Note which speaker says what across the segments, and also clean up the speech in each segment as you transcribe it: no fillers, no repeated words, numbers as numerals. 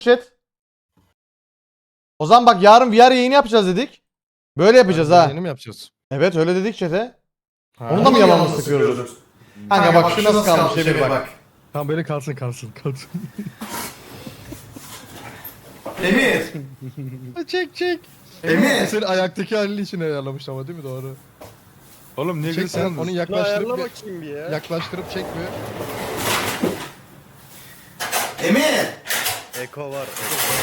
Speaker 1: Chat. O zaman bak yarın VR yayını yapacağız dedik. Böyle yapacağız ha.
Speaker 2: Yeni mi yapacağız?
Speaker 1: Evet öyle dedik chat'e.
Speaker 2: Ha.
Speaker 1: Onu da mı yalanını sıkıyoruz? Kanka bak şu nasıl kalmış Emir bak.
Speaker 2: Tamam böyle kalsın.
Speaker 3: Emir.
Speaker 2: çek.
Speaker 3: Emir.
Speaker 2: Senin ayaktaki halini için ayarlamış ama değil mi doğru?
Speaker 4: Oğlum niye
Speaker 2: Çek sen
Speaker 4: göstermiyorsun?
Speaker 2: onu yaklaştırıp
Speaker 4: bakayım bir ya.
Speaker 2: yaklaştırıp çek bir.
Speaker 3: Emir.
Speaker 4: Eko var.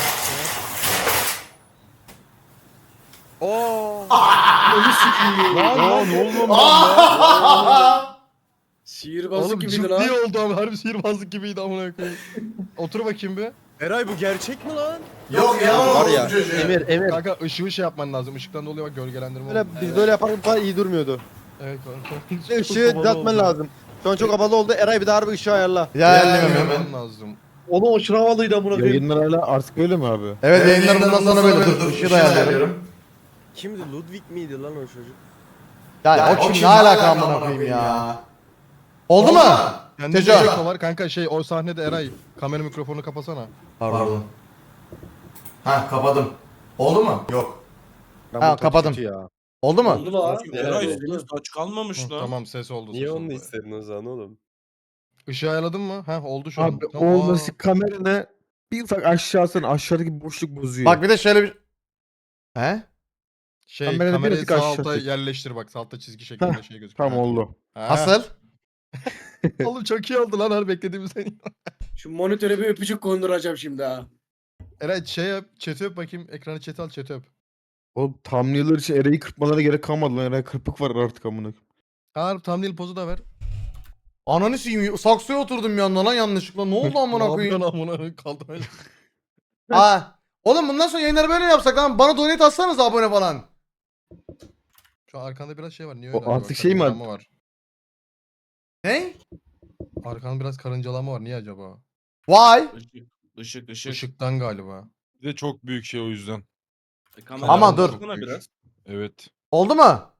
Speaker 4: Oo.
Speaker 3: Onu sikiyim.
Speaker 4: Lan ne oldu lan?
Speaker 3: Sihirbazlık
Speaker 2: Oğlum
Speaker 3: gibiydi
Speaker 2: cıp
Speaker 3: lan.
Speaker 2: diye oldu ama harbi sihirbazlık gibiydi amına koyayım. Otur bakayım bir.
Speaker 4: Eray bu gerçek mi lan?
Speaker 3: Yok ya
Speaker 5: Var ya Emir
Speaker 2: Kanka ışığı şey yapman lazım. Işıktan dolayı bak gölgelendirme
Speaker 5: böyle
Speaker 2: oldu.
Speaker 5: biz böyle yaparken bu kadar iyi durmuyordu.
Speaker 2: Evet kanka.
Speaker 5: İşte ışığı düzeltmen lazım. Şu an çok havalı oldu. Eray bir daha harbi ışığı ayarla.
Speaker 1: Ya
Speaker 2: Ayarlamam
Speaker 1: hemen.
Speaker 2: lazım.
Speaker 6: Onu aşırı havalıydı amına koyayım.
Speaker 7: Yayınlar hala artık öyle mi abi?
Speaker 1: Evet yayınlar bundan sonra böyle dur. Işığı da ayarlıyorum.
Speaker 4: Kimdi? Ludwig miydi lan o çocuk?
Speaker 1: Yani o kim ne alaka amına koyayım ya. Oldu mu?
Speaker 2: Kendi
Speaker 1: Teco.
Speaker 2: Teco var kanka o sahnede Eray kamera mikrofonu kapasana.
Speaker 1: Pardon.
Speaker 3: Ha kapadım. Oldu mu? Yok.
Speaker 5: Ben
Speaker 1: Ha,
Speaker 5: bu
Speaker 1: kapadım.
Speaker 5: kötü ya.
Speaker 1: Oldu mu?
Speaker 3: Oldu lan.
Speaker 8: Eray
Speaker 3: Evet,
Speaker 8: henüz aç kalmamış
Speaker 2: Hı,
Speaker 8: lan.
Speaker 2: tamam ses oldu.
Speaker 4: Niye
Speaker 2: ses
Speaker 4: onu
Speaker 2: oldu.
Speaker 4: istedin o zaman oğlum?
Speaker 2: Işığı ayarladın mı? Heh oldu şu an.
Speaker 7: Abi
Speaker 2: Tamam,
Speaker 7: olması kameranı bir ufak aşağısına aşağıdaki boşluk bozuyor.
Speaker 1: Bak bir de şöyle bir... He?
Speaker 2: kamerayı
Speaker 7: birazcık
Speaker 2: sağ
Speaker 7: aşağı
Speaker 2: alta
Speaker 7: çek.
Speaker 2: yerleştir bak. Sağ altta çizgi şeklinde
Speaker 7: Heh,
Speaker 2: şey gözüküyor.
Speaker 7: tam oldu.
Speaker 2: Ha.
Speaker 1: Nasıl?
Speaker 2: Oğlum çok iyi oldu lan her beklediğimizden.
Speaker 3: Şu monitöre bir öpücük konduracağım şimdi ha.
Speaker 2: Eray şey yap, chat'i öp bakayım. Ekranı chat'i al, chat'i öp.
Speaker 7: O thumbnail'lar için Eray'ı kırpmalarına gerek kalmadı lan. Eray kırpık var artık amına.
Speaker 2: Harbi thumbnail pozu da ver.
Speaker 1: Ananı sikeyim. Saksıya oturdum bir anda lan yanlışlıkla. Ne oldu amına
Speaker 2: Ne
Speaker 1: koyayım?
Speaker 2: yapıyorsun amına koyayım? Kaldım öyle.
Speaker 1: Aa. Oğlum bundan sonra yayınları böyle mi yapsak lan? Bana donate atsanız abone falan.
Speaker 2: Şu an arkanda biraz şey var. Niye
Speaker 7: O
Speaker 2: öyle? acaba?
Speaker 7: artık şey mi
Speaker 2: Karıncalama var?
Speaker 1: Ne?
Speaker 2: Arkanda biraz karıncalama var. Niye acaba?
Speaker 1: Why?
Speaker 8: Işık.
Speaker 2: Işıktan galiba.
Speaker 4: Bir de çok büyük şey o yüzden.
Speaker 8: Kamera
Speaker 1: Ama dur.
Speaker 8: baksana biraz.
Speaker 4: Evet.
Speaker 1: Oldu mu?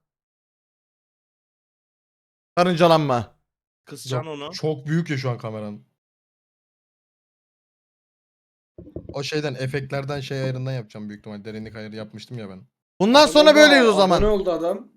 Speaker 1: Karıncalanma.
Speaker 8: Kısacaksın onu.
Speaker 2: Çok büyük ya şu an kameranın. O şeyden efektlerden şey ayarından yapacağım büyük ihtimal. Derinlik ayarı yapmıştım ya ben.
Speaker 1: Bundan sonra böyleyiz o zaman.
Speaker 3: Ne oldu adam?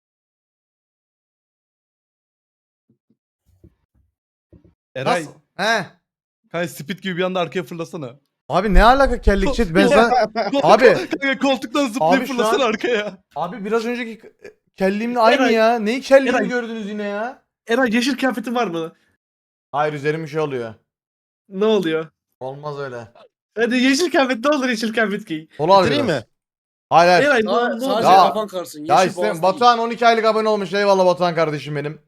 Speaker 6: Eray,
Speaker 1: Nasıl? He.
Speaker 6: kanka speed gibi bir anda arkaya fırlasana.
Speaker 1: Abi ne alaka kellik chat ben sana... Abi.
Speaker 6: Kanka koltuktan zıplayıp
Speaker 1: Abi şu
Speaker 6: fırlasana
Speaker 1: an-
Speaker 6: arkaya.
Speaker 1: Abi biraz önceki kelliğimle aynı
Speaker 6: Eray.
Speaker 1: ya. Neyi kelliğimi
Speaker 6: Eray.
Speaker 1: gördünüz yine ya?
Speaker 6: Eray yeşil kıyafetin var mı?
Speaker 1: Hayır üzerim bir şey oluyor.
Speaker 6: Ne oluyor?
Speaker 1: Olmaz öyle.
Speaker 6: Hadi yeşil kıyafet ne olur yeşil kıyafet giy.
Speaker 1: Dolar
Speaker 5: Bitireyim
Speaker 1: biraz.
Speaker 5: mi?
Speaker 1: Hayır hayır.
Speaker 6: Eray
Speaker 3: Sadece
Speaker 6: ne olur?
Speaker 1: Ya-
Speaker 3: kafan karsın.
Speaker 1: Ya
Speaker 3: Yeşil
Speaker 1: istemem.
Speaker 3: boğaz
Speaker 1: Batuhan 12 aylık abone olmuş. Eyvallah Batuhan kardeşim benim.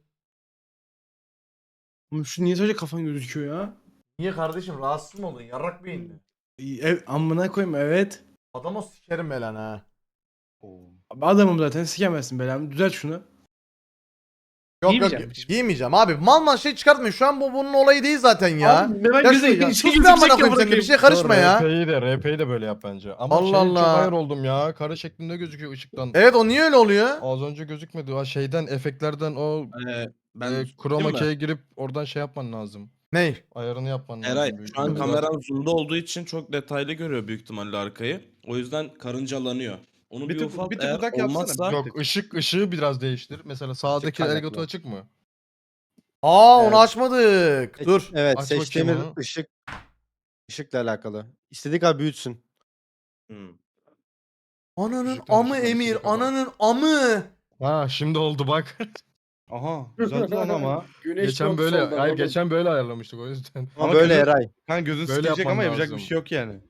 Speaker 6: Oğlum şu niye sadece kafan gözüküyor ya?
Speaker 1: Niye kardeşim rahatsız mı oldun? Yarrak beyinli.
Speaker 6: Amına koyayım evet.
Speaker 1: Adama sikerim be lan ha.
Speaker 6: Adamım zaten sikemezsin belamı. Düzelt şunu.
Speaker 1: Yok
Speaker 6: Giymeyeceğim
Speaker 1: yok
Speaker 6: hiç.
Speaker 1: giymeyeceğim abi. Mal mal şey çıkartmayın. Şu an bunun olayı değil zaten ya.
Speaker 6: Abi merak
Speaker 1: Ya,
Speaker 6: gözü
Speaker 1: ya sus bir amına koyayım sen de bir şey karışma ya.
Speaker 2: RP'yi de böyle yap bence. Ama
Speaker 1: Allah
Speaker 2: şey çok
Speaker 1: Allah.
Speaker 2: ayar oldum ya. Kare şeklinde gözüküyor ışıktan.
Speaker 1: Evet o niye öyle oluyor?
Speaker 2: Az önce gözükmedi. O şeyden efektlerden o
Speaker 8: Ben
Speaker 2: chroma key'e girip oradan şey yapman lazım.
Speaker 1: Ney?
Speaker 2: Ayarını yapman lazım.
Speaker 8: Eray
Speaker 2: büyük
Speaker 8: şu an
Speaker 2: ihtimalle.
Speaker 8: kameran zoom'da olduğu için çok detaylı görüyor büyük ihtimalle arkayı. O yüzden karıncalanıyor. Onu
Speaker 6: Bir
Speaker 8: bir,
Speaker 6: tık-
Speaker 8: ufalt
Speaker 6: bir tık
Speaker 8: eğer
Speaker 6: uzak yapsana,
Speaker 8: olmazsa
Speaker 2: Yok ışığı biraz değiştir. Mesela sağdaki
Speaker 5: kaynaklı.
Speaker 2: elgato açık mı?
Speaker 1: Aa onu
Speaker 5: Evet.
Speaker 1: açmadık. Dur.
Speaker 5: Evet
Speaker 2: Aç
Speaker 5: seçtiğimiz
Speaker 2: bakayım onu.
Speaker 5: ışıkla alakalı. İstediği kadar büyütsün.
Speaker 8: Hmm.
Speaker 1: Ananın
Speaker 2: Işıktan
Speaker 1: amı
Speaker 2: ışıktan
Speaker 1: Emir.
Speaker 2: istediği kadar.
Speaker 1: Ananın amı.
Speaker 2: Ha şimdi oldu bak.
Speaker 6: Aha güzeldi lan ama.
Speaker 3: Güneş
Speaker 2: geçen
Speaker 3: yok
Speaker 2: böyle
Speaker 3: soldan
Speaker 2: hayır
Speaker 3: oğlum.
Speaker 2: geçen böyle ayarlamıştık o yüzden.
Speaker 5: Ama
Speaker 6: Ama
Speaker 5: böyle
Speaker 6: gözün-
Speaker 5: Eray.
Speaker 6: Kanka gözün
Speaker 2: Böyle
Speaker 6: sıkılacak
Speaker 2: yapman
Speaker 6: ama yapacak
Speaker 2: lazım.
Speaker 6: bir şey yok yani.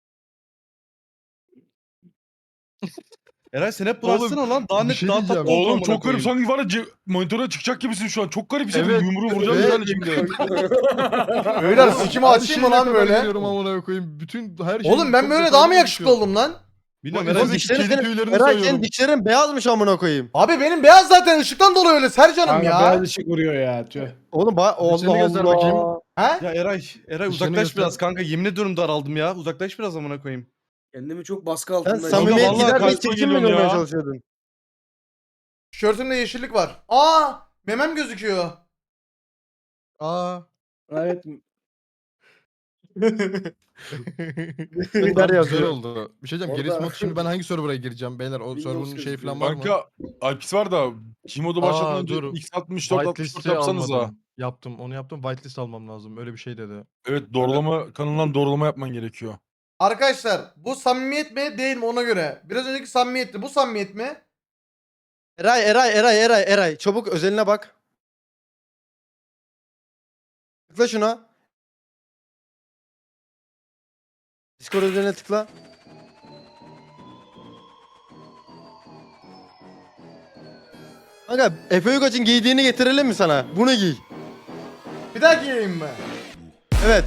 Speaker 6: Eray sen hep
Speaker 2: Oğlum,
Speaker 6: bulaşsana lan. Daha
Speaker 2: bir
Speaker 6: net
Speaker 2: şey
Speaker 6: daha
Speaker 2: diyeceğim.
Speaker 6: tatlı oldu
Speaker 4: Oğlum
Speaker 6: amına
Speaker 4: çok garip.
Speaker 6: koyayım.
Speaker 4: Sanki var ya monitöre çıkacak gibisin şu an. Çok garip hissettim.
Speaker 2: Evet.
Speaker 4: Yumruğu vuracağım
Speaker 2: Evet.
Speaker 4: yani şimdi.
Speaker 1: Beyler sikimi
Speaker 2: Her
Speaker 1: açayım mı
Speaker 2: şeyine
Speaker 1: lan
Speaker 2: kadar
Speaker 1: böyle?
Speaker 2: geliyorum amına koyayım. Bütün her şey.
Speaker 1: Oğlum ben
Speaker 2: çok
Speaker 1: böyle
Speaker 2: detaylı
Speaker 1: daha mı yakışıklı
Speaker 2: gözüküyor.
Speaker 1: oldum lan?
Speaker 6: Bilmiyorum
Speaker 2: Bak,
Speaker 6: Eray.
Speaker 2: Eray,
Speaker 5: Dişlerin
Speaker 2: kedi
Speaker 5: senin,
Speaker 2: tüylerini
Speaker 5: Eray
Speaker 2: sayıyorum.
Speaker 5: senin dişlerin beyazmış amına koyayım.
Speaker 1: Abi benim beyaz zaten ışıktan dolayı öyle Sercan'ım
Speaker 6: Kanka
Speaker 1: ya.
Speaker 6: beyaz ışık vuruyor ya. Tüh.
Speaker 5: Oğlum
Speaker 2: Dişlerini
Speaker 5: Allah
Speaker 2: göster bakayım.
Speaker 5: Allah.
Speaker 1: He?
Speaker 6: Ya Eray
Speaker 2: Dışarı
Speaker 6: uzaklaş
Speaker 2: göster.
Speaker 6: biraz kanka. Yemin ediyorum daraldım ya. Uzaklaş biraz amına koyayım.
Speaker 3: Kendimi çok baskı
Speaker 5: Sen
Speaker 3: altında
Speaker 5: samimiyet
Speaker 4: vallahi
Speaker 5: gider bir
Speaker 4: karşıma
Speaker 5: çirkin mi
Speaker 4: geliyorsun
Speaker 5: görmeye
Speaker 4: ya.
Speaker 5: çalışıyordun?
Speaker 1: Tişörtümde yeşillik var. Aa memem gözüküyor.
Speaker 2: Aa.
Speaker 6: Evet.
Speaker 5: Gönder
Speaker 2: Güzel
Speaker 5: yazıyor.
Speaker 2: oldu. Bir şey diyeceğim. Geri
Speaker 3: Orada-
Speaker 2: mod şimdi ben hangi server'a gireceğim beyler? O
Speaker 3: Windows
Speaker 2: server'ın şey
Speaker 3: gözüküyor.
Speaker 2: falan var mı?
Speaker 4: Kanka Alpis var da Gmode'u başlatmadan önce
Speaker 2: dur.
Speaker 4: X64 64 yapsanız ha.
Speaker 2: Yaptım. Onu yaptım. Whitelist almam lazım. Öyle bir şey dedi.
Speaker 4: Evet doğrulama kanalından doğrulama yapman gerekiyor.
Speaker 1: Arkadaşlar bu samimiyet mi değil mi ona göre. Biraz önceki samimiyetti. Bu samimiyet mi?
Speaker 5: Eray. Çabuk özeline bak. Tıkla şuna. Discord özeline tıkla. Kanka Efe Uygaç'ın giydiğini getirelim mi sana? Bunu giy.
Speaker 1: Bir daha giyeyim mi?
Speaker 5: Evet.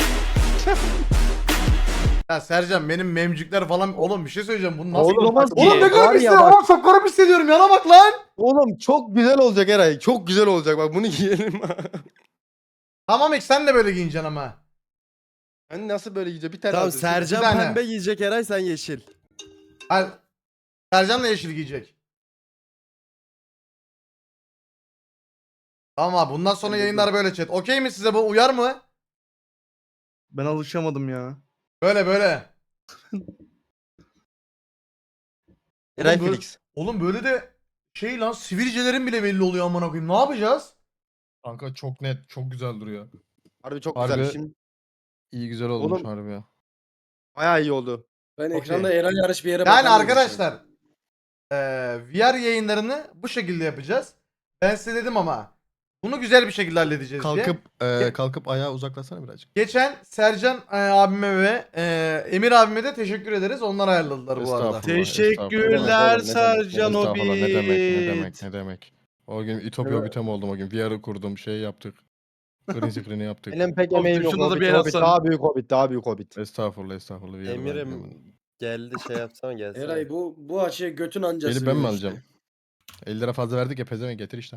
Speaker 1: Ya Sercan benim memcükler falan oğlum bir şey söyleyeceğim bunu nasıl
Speaker 5: Oğlum, bak,
Speaker 1: Oğlum ne
Speaker 5: var
Speaker 1: garip
Speaker 5: ya
Speaker 1: hissediyorum
Speaker 5: bak.
Speaker 1: oğlum çok garip hissediyorum yana bak lan.
Speaker 5: Oğlum çok güzel olacak Eray. Çok güzel olacak bak bunu giyelim.
Speaker 1: Tamam ek sen de böyle giyineceksin ama.
Speaker 5: Hani nasıl böyle giyecek? Bir tane
Speaker 9: Tamam
Speaker 5: alacağız.
Speaker 9: Sercan
Speaker 1: Bir tane.
Speaker 9: pembe giyecek, Eray sen yeşil.
Speaker 1: Hayır. Sercan da yeşil giyecek. Tamam abi bundan sonra yayınlar böyle chat. Okey mi size bu uyar mı?
Speaker 7: Ben alışamadım ya.
Speaker 1: Böyle böyle.
Speaker 5: Eray
Speaker 1: Oğlum,
Speaker 5: Felix.
Speaker 1: Oğlum böyle de şey lan sivilcelerin bile belli oluyor amına koyayım. Ne yapacağız?
Speaker 2: Kanka çok net. Çok güzel duruyor.
Speaker 5: Harbi çok
Speaker 2: Harbi.
Speaker 5: güzel. Şimdi
Speaker 2: İyi güzel olmuş
Speaker 5: Oğlum-
Speaker 2: harbi ya.
Speaker 5: bayağı iyi oldu.
Speaker 3: Ben
Speaker 1: Okey.
Speaker 3: ekranda Eray yarış bir yere
Speaker 1: Yani
Speaker 3: bakamıyorum
Speaker 1: arkadaşlar VR yayınlarını bu şekilde yapacağız. Ben size dedim ama bunu güzel bir şekilde halledeceğiz diye.
Speaker 2: Kalkıp ayağa uzaklasana birazcık.
Speaker 1: Geçen Sercan abime ve Emir abime de teşekkür ederiz. Onlar ayarladılar bu arada.
Speaker 2: Estağfurullah,
Speaker 7: Teşekkürler
Speaker 2: estağfurullah.
Speaker 7: Sercan
Speaker 2: Estağfurullah, ne demek
Speaker 7: Hobbit.
Speaker 2: ne demek. O gün İtopya Hobbit'e oldum o gün. VR'ı kurdum şey yaptık. Green screen'i yaptık.
Speaker 5: Benim pek
Speaker 7: Oğlum,
Speaker 5: emeğim yok.
Speaker 7: şuna da
Speaker 5: Hobbit,
Speaker 7: bir el
Speaker 5: Hobbit.
Speaker 7: atsana.
Speaker 5: Daha büyük Hobbit. Daha büyük Hobbit.
Speaker 2: Estağfurullah. VR'ı ben
Speaker 9: Emir'im
Speaker 2: bilemedim.
Speaker 9: geldi şey yapsana gelsene.
Speaker 3: Eray bu açıya götün ancası.
Speaker 2: Eli ben mi alacağım? 50 lira fazla verdik ya pezevenk getir işte.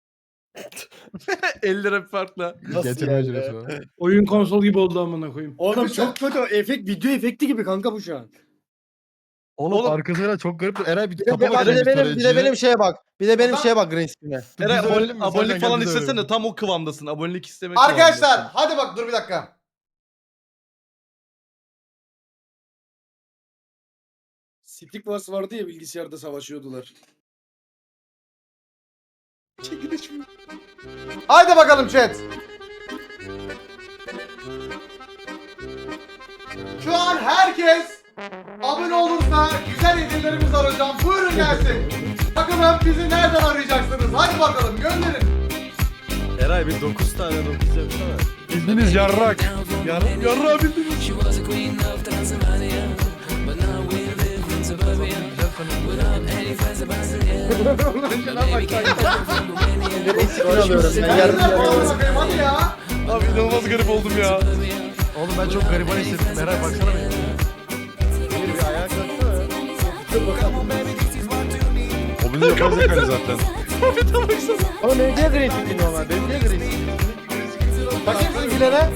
Speaker 7: 50 lira farkla.
Speaker 2: Getirme
Speaker 9: yani?
Speaker 2: ücreti var.
Speaker 6: Oyun konsol gibi oldu amına koyayım.
Speaker 3: Oğlum çok kötü video efekti gibi kanka bu şu an.
Speaker 2: Oğlum arkasına çok garip. Eray bir
Speaker 5: Bir de,
Speaker 2: tapa bakayım
Speaker 5: bir de benim şeye bak. Bir de benim
Speaker 1: Adam-
Speaker 5: şeye bak green screen'e.
Speaker 7: Eray
Speaker 2: Biz de öyle mi?
Speaker 7: abonelik
Speaker 2: Sercan,
Speaker 7: falan
Speaker 2: gel biz de
Speaker 7: istesene
Speaker 2: öyle.
Speaker 7: tam o kıvamdasın. Abonelik istemek
Speaker 1: Arkadaşlar
Speaker 7: kıvamındasın.
Speaker 1: hadi bak dur bir dakika.
Speaker 3: Stick Wars vardı ya bilgisayarda savaşıyordular. Çekiliş mi?
Speaker 1: Haydi bakalım chat. Şu an herkes abone olursa güzel hediyelerimiz var hocam. Buyurun gelsin. Bakalım bizi nereden arayacaksınız? Hadi bakalım gönderin.
Speaker 9: Eray bir 9 tane 9 yapsana.
Speaker 4: Bildiniz yarrak.
Speaker 7: Yarrağı bildiniz.
Speaker 5: Green screen alıyorum. Ben yarın
Speaker 1: Nereden bağlı bakayım hadi ya.
Speaker 7: Abi inanılmaz garip oldum ya.
Speaker 2: Oğlum ben çok gariban hissettim. Eray baksana bir.
Speaker 5: bir ayağa kalksana.
Speaker 4: O bunu yapacak hali zaten.
Speaker 5: Oğlum benim niye green screen normal? Benim niye green screen?
Speaker 1: Bakayım sizinkilere.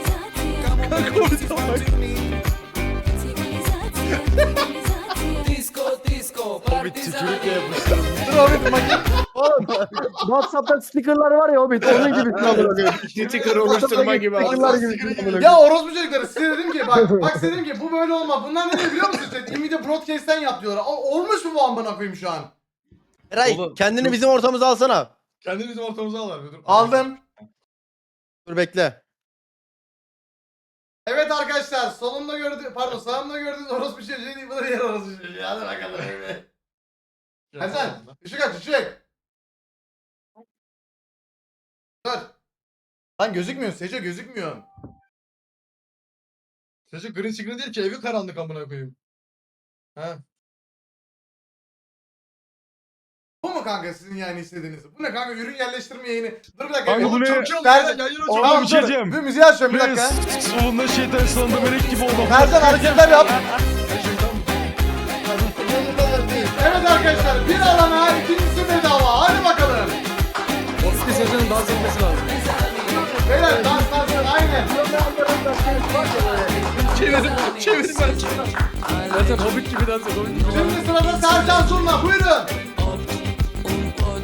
Speaker 9: Hobbit tükürükle yapıştırdım.
Speaker 1: Dur Hobbit bakayım.
Speaker 5: WhatsApp'ta stickerlar var ya Hobbit. Onun gibi
Speaker 3: Sticker oluşturma gibi.
Speaker 5: Stickerlar gibi.
Speaker 1: Ya orospu çocukları size dedim ki bak size dedim ki bu böyle olmaz. Bunlar ne diyor biliyor musun chat? Nvidia Broadcast'ten yap diyorlar. Olmuş mu bu amına koyayım şu an?
Speaker 5: Eray
Speaker 7: Oğlum,
Speaker 5: kendini bizim ortamıza alsana.
Speaker 2: Kendini bizim ortamıza al abi. Dur.
Speaker 1: Aldım.
Speaker 5: Dur bekle.
Speaker 1: Evet arkadaşlar solumda gördüğünüz pardon sağımda gördüğünüz orospu çocuğu değil bu da diğer orospu çocuğu. Hadi bakalım. Hasan ışık aç ışık. Dur. Lan gözükmüyor Seco gözükmüyor.
Speaker 2: Sesi green screen değil ki evi karanlık amına koyayım. Ha.
Speaker 1: Bu mu kanka sizin yani istediğiniz? Bu ne kanka ürün yerleştirme yayını. Dur bir dakika.
Speaker 4: Kanka bu ne?
Speaker 2: Çok iyi oldu
Speaker 1: Sercan-
Speaker 2: ya, yayın
Speaker 1: Tamam,
Speaker 2: açıyorum.
Speaker 4: bir şey
Speaker 1: dur.
Speaker 4: diyeceğim.
Speaker 1: Bir müziği açıyorum bir dakika.
Speaker 4: Solunda şeytan sağında melek gibi oldu.
Speaker 1: Sercan hareketler yap. Evet arkadaşlar bir alana ikincisi bedava. Hadi bakalım.
Speaker 3: Oski Sezon'un dans etmesi lazım.
Speaker 1: Beyler dans aynen.
Speaker 7: Çevirin ben.
Speaker 3: Zaten Hobbit gibi dans ediyor.
Speaker 1: Şimdi sırada Sercan Surna buyurun.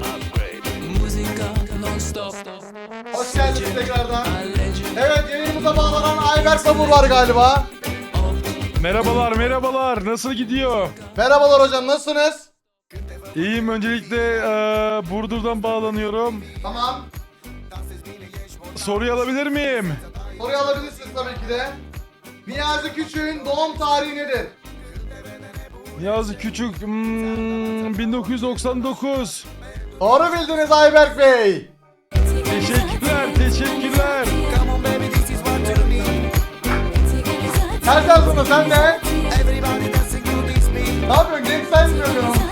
Speaker 1: Hoş geldiniz tekrardan. Evet yayınımıza Aramıza bağlanan Ayber Sabur var galiba.
Speaker 4: Merhabalar merhabalar. Nasıl gidiyor?
Speaker 1: Merhabalar hocam, nasılsınız?
Speaker 4: İyiyim. Öncelikle Burdur'dan bağlanıyorum.
Speaker 1: Tamam.
Speaker 4: Soruyu alabilir miyim?
Speaker 1: Soruyu alabilirsiniz tabii ki de. Niyazi Küçük'ün doğum tarihi nedir?
Speaker 4: Niyazi Küçük 1999.
Speaker 1: Doğru bildiniz Ayberk Bey.
Speaker 4: Teşekkürler teşekkürler.
Speaker 1: Sercan Sunu sen de. Ne yapıyorsun? Genç sen mi söylüyorsun?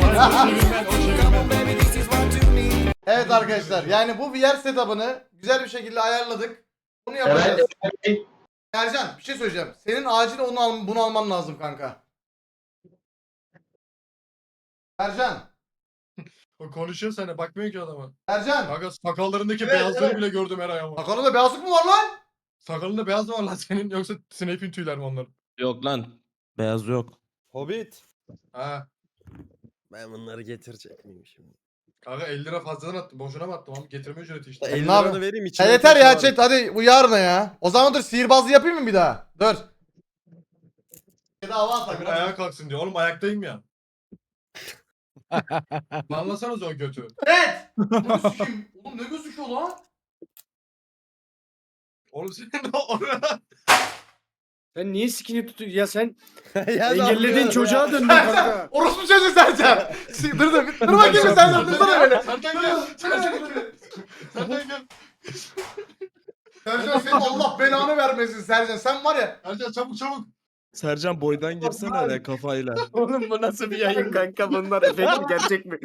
Speaker 1: Evet arkadaşlar, yani bu VR setup'ını güzel bir şekilde ayarladık. Bunu yapacağız. Ercan bir şey söyleyeceğim. Senin acil bunu alman lazım kanka. Ercan.
Speaker 2: O konuşuyor sana, bakmıyor ki adama.
Speaker 1: Ercan.
Speaker 2: Kanka sakallarındaki
Speaker 1: Evet,
Speaker 2: beyazları
Speaker 1: evet.
Speaker 2: bile gördüm Eray ama.
Speaker 1: Sakalında beyazlık mı var lan?
Speaker 2: Sakalında beyaz mı var lan senin, yoksa Snape'in tüyler mi onlar?
Speaker 8: Yok lan. Beyaz yok.
Speaker 9: Hobbit.
Speaker 2: Ha.
Speaker 9: Ben bunları getirecek miyim şimdi?
Speaker 2: Kanka 50 lira fazladan attım. Boşuna mı attım abi? Getirme ücreti işte.
Speaker 9: 50
Speaker 1: ne yapayım?
Speaker 9: liranı vereyim
Speaker 1: Ya
Speaker 9: içine.
Speaker 1: yeter ya
Speaker 9: taşı var.
Speaker 1: chat, hadi bu yarına ya. O zaman dur, sihirbazlığı yapayım mı bir daha? Dur. Bir daha hava atak.
Speaker 2: Bir ayağa kalksın diyor. Oğlum ayaktayım ya. Anlasanız o götü.
Speaker 1: Evet. Bunu sikeyim. Oğlum ne gözüküyor lan?
Speaker 2: Oğlum senin oraya.
Speaker 3: Sen niye sikini tutuyorsun? Ya sen
Speaker 9: Ya ne
Speaker 3: engellediğin
Speaker 9: yapıyorsun
Speaker 3: çocuğa
Speaker 9: ya?
Speaker 3: döndün kanka.
Speaker 1: Orospu çocuğu Sercan. Dur bakayım Sercan, dursana böyle.
Speaker 2: Sertan gel. Sertan gel. Sertan gel.
Speaker 1: Sercan senin Allah belanı vermesin Sercan. Sen var ya.
Speaker 2: Ercan çabuk çabuk.
Speaker 8: Sercan boydan girsene hele kafayla.
Speaker 3: Oğlum bu nasıl bir yayın kanka? Bunlar efekt mi gerçek mi?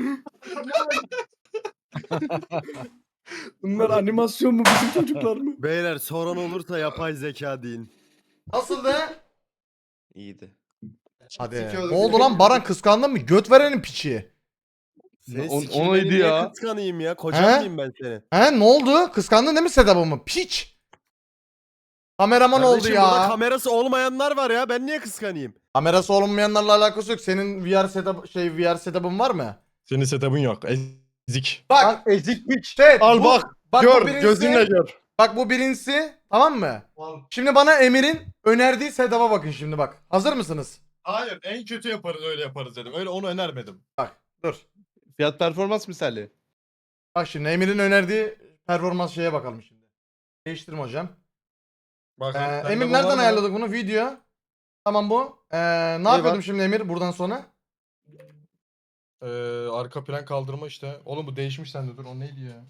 Speaker 3: Bunlar animasyon mu, bizim çocuklar mı?
Speaker 9: Beyler soran olursa yapay zeka deyin.
Speaker 1: Nasıldı?
Speaker 8: İyiydi.
Speaker 1: Hadi. Ne oldu lan Baran, kıskandın mı? Göt verenin piçi.
Speaker 9: Senin
Speaker 4: O-
Speaker 9: sikini
Speaker 4: onaydı
Speaker 9: beni niye
Speaker 4: ya.
Speaker 9: kıskanayım ya?
Speaker 1: He?
Speaker 9: Kocan mıyım ben senin?
Speaker 1: He ne oldu? Kıskandın değil mi setup'ımı? Piç. Kameraman oldu
Speaker 9: Kardeşim burada
Speaker 1: ya.
Speaker 9: kamerası olmayanlar var ya. Ben niye kıskanayım?
Speaker 1: Kamerası olmayanlarla alakası yok. Senin VR setup'ın var mı?
Speaker 2: Senin setup'ın yok. Ezik.
Speaker 1: Bak.
Speaker 7: Ezik piç.
Speaker 1: Evet,
Speaker 7: Al
Speaker 1: bu-
Speaker 7: bak.
Speaker 1: bu
Speaker 7: Gör.
Speaker 1: birincisi-
Speaker 7: Gözünle gör.
Speaker 1: Bak bu birincisi, tamam mı? Şimdi bana Emir'in önerdiği setup'a bakın şimdi bak. Hazır mısınız?
Speaker 2: Hayır, en kötü yaparız, öyle yaparız dedim. Öyle onu önermedim.
Speaker 1: Bak dur.
Speaker 7: Fiyat performans misali.
Speaker 1: Bak şimdi Emir'in önerdiği performans şeye bakalım şimdi. Değiştirme hocam.
Speaker 2: Bak,
Speaker 1: Emir nereden ayarladık bunu? Video. Tamam bu. Ne yapıyordum şimdi Emir buradan sonra?
Speaker 2: Arka plan kaldırma işte. Oğlum bu değişmiş sende, dur o neydi ya?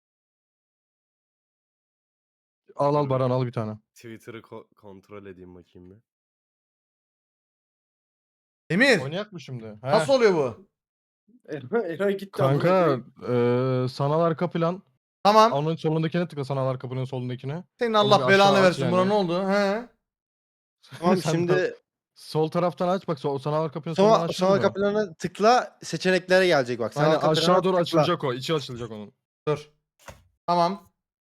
Speaker 2: Al Baran, al bir tane.
Speaker 9: Twitter'ı kontrol edeyim bakayım bir.
Speaker 1: Emir.
Speaker 2: Oynayak mı şimdi? He.
Speaker 1: Nasıl oluyor bu?
Speaker 3: Eray gitti.
Speaker 2: Kanka sanal arka plan.
Speaker 1: Tamam.
Speaker 2: Onun solundakine tıkla, sanal arka planın solundakine.
Speaker 1: Senin
Speaker 2: Onu bir
Speaker 1: Allah
Speaker 2: aşağı
Speaker 1: belanı
Speaker 2: aç
Speaker 1: versin.
Speaker 2: yani.
Speaker 1: Buna ne oldu? He.
Speaker 7: Tamam
Speaker 2: Sen
Speaker 7: şimdi
Speaker 2: Sol taraftan aç bak, sanal arka planın solundan açtın
Speaker 7: sonra
Speaker 2: mı?
Speaker 7: kapılarına tıkla, seçeneklere gelecek bak.
Speaker 2: Hani
Speaker 7: Sanal kapılarına
Speaker 2: aşağı doğru
Speaker 7: tıkla.
Speaker 2: açılacak o. İçi açılacak onun.
Speaker 1: Dur. Tamam.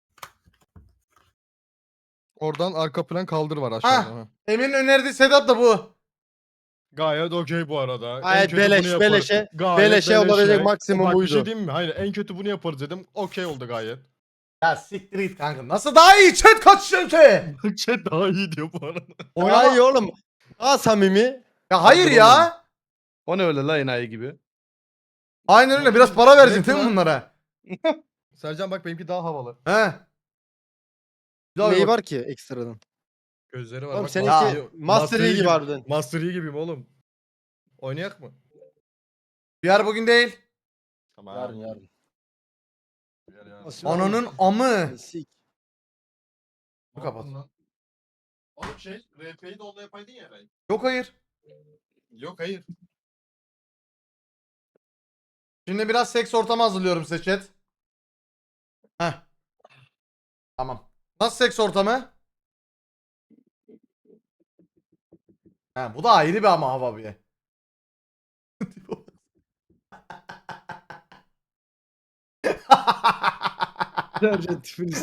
Speaker 2: Oradan arka plan kaldır var aşağıda. ha.
Speaker 1: Emir'in önerdiği setup da bu.
Speaker 2: Gayet okey bu arada. En
Speaker 7: Gayet
Speaker 2: kötü bunu yaparız.
Speaker 7: beleşe.
Speaker 2: Gayet
Speaker 7: Beleşe olabilecek maksimum
Speaker 2: Bak bir
Speaker 7: buydu.
Speaker 2: şey diyeyim mi? Hayır, en kötü bunu yaparız dedim. Okey oldu gayet.
Speaker 1: Ya siktir git kanka. Nasıl daha iyi? Chat kaç chat'e?
Speaker 2: Chat daha iyi diyor bu arada.
Speaker 7: Daha iyi oğlum. Daha samimi.
Speaker 1: Ya hayır ya.
Speaker 7: O ne öyle la enayi gibi.
Speaker 1: Aynen öyle. Biraz para vereceksin
Speaker 2: Evet
Speaker 1: değil mi
Speaker 2: lan.
Speaker 1: bunlara?
Speaker 2: Sercan bak, benimki daha havalı.
Speaker 1: He. Güzel
Speaker 7: Neyi
Speaker 1: bak.
Speaker 7: var ki ekstradan?
Speaker 2: Gözleri var.
Speaker 7: Oğlum
Speaker 2: bak,
Speaker 7: seninki Master Yi gibi harbiden.
Speaker 2: Master Yi gibiyim oğlum. Oynayak mı?
Speaker 1: VR bugün değil.
Speaker 2: Tamam.
Speaker 7: yarın.
Speaker 1: Ananın amı.
Speaker 7: Sik.
Speaker 1: Kapat.
Speaker 2: Oğlum RP'yi de onda yapaydın ya Eray.
Speaker 1: Yok hayır.
Speaker 2: Yok hayır.
Speaker 1: Şimdi biraz seks ortamı hazırlıyorum size chat. Heh. Tamam. Nasıl seks ortamı? He, bu da ayrı bir ama hava bir.
Speaker 3: Sercan tipini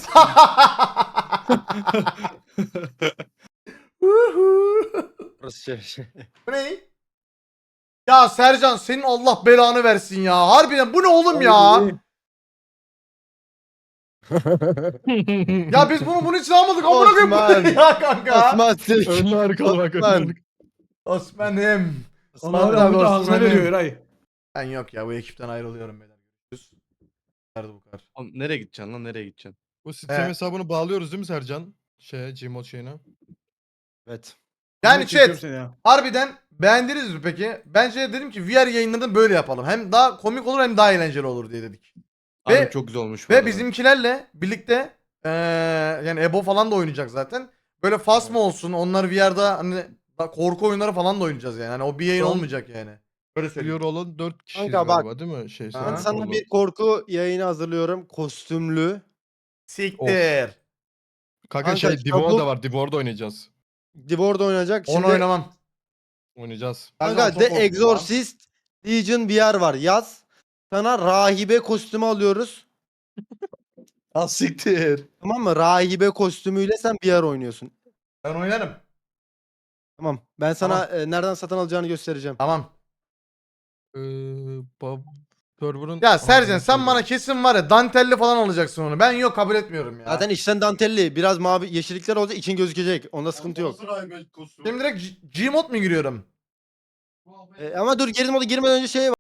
Speaker 7: Burası şey.
Speaker 1: Bu ne? Ya Sercan senin Allah belanı versin ya. Harbiden bu ne oğlum ya? Ya biz bunu bunun için almadık. Amına koyayım
Speaker 7: Osman.
Speaker 1: ya kanka.
Speaker 7: Osman Sik.
Speaker 2: Ön harikalı bak.
Speaker 7: Osman.
Speaker 1: Osman'ım.
Speaker 6: Onlar da burada ağzına veriyor Eray.
Speaker 1: Ben yok ya bu ekipten ayrılıyorum beyler. Görüşürüz. Nerede bu kadar?
Speaker 8: Oğlum nereye gideceksin lan nereye gideceksin?
Speaker 2: Bu sistem
Speaker 1: He.
Speaker 2: hesabını bağlıyoruz değil mi Sercan? Gmod şeyine.
Speaker 9: Evet.
Speaker 1: Yani
Speaker 6: Çekiyorum
Speaker 1: chat
Speaker 6: seni ya.
Speaker 1: harbiden beğendiniz mi peki? Bence dedim ki VR yayınlarını böyle yapalım. Hem daha komik olur hem daha eğlenceli olur diye dedik. Ve-
Speaker 8: Abi çok güzel olmuş bu
Speaker 1: Ve
Speaker 8: arada.
Speaker 1: bizimkilerle birlikte yani Ebo falan da oynayacak zaten. Böyle Fasma olsun. Onlar VR'da hani korku oyunları falan da oynayacağız yani. Hani o bir yayın
Speaker 7: Son-
Speaker 1: olmayacak yani. Böyle söyleyeyim.
Speaker 2: Biliyor olan 4 kişiyiz
Speaker 7: Kanka bak.
Speaker 2: galiba değil mi? Şey,
Speaker 1: Ben
Speaker 7: Ben
Speaker 1: Aha.
Speaker 7: sana
Speaker 2: Olur.
Speaker 7: bir korku yayını hazırlıyorum. Kostümlü.
Speaker 1: Siktir.
Speaker 2: Kanka
Speaker 7: Kanka,
Speaker 2: şey Divor
Speaker 7: çabuk-
Speaker 2: da var. Divor'da oynayacağız.
Speaker 7: Divor'da oynayacak.
Speaker 1: Onu
Speaker 7: Şimdi
Speaker 1: oynamam.
Speaker 2: Oynayacağız.
Speaker 1: Ben
Speaker 7: kanka
Speaker 1: çok
Speaker 7: The
Speaker 1: korktum lan.
Speaker 7: Exorcist Legion VR var. Yaz. Sana rahibe kostümü alıyoruz.
Speaker 8: Az siktir.
Speaker 7: Tamam mı? Rahibe kostümüyle sen VR oynuyorsun.
Speaker 1: Ben oynarım.
Speaker 7: Tamam. Ben sana nereden satın alacağını göstereceğim.
Speaker 1: Tamam.
Speaker 2: Server'ın...
Speaker 1: Ya Sercan
Speaker 2: Aa,
Speaker 1: sen
Speaker 2: şey-
Speaker 1: bana kesin var ya dantelli falan alacaksın onu. Ben yok kabul etmiyorum ya.
Speaker 7: Zaten içten dantelli. Biraz mavi yeşillikler olacak. için gözükecek. Onda sıkıntı yok.
Speaker 1: Şimdi direkt Gmod mu giriyorum?
Speaker 7: Ama dur girmeden önce şey var.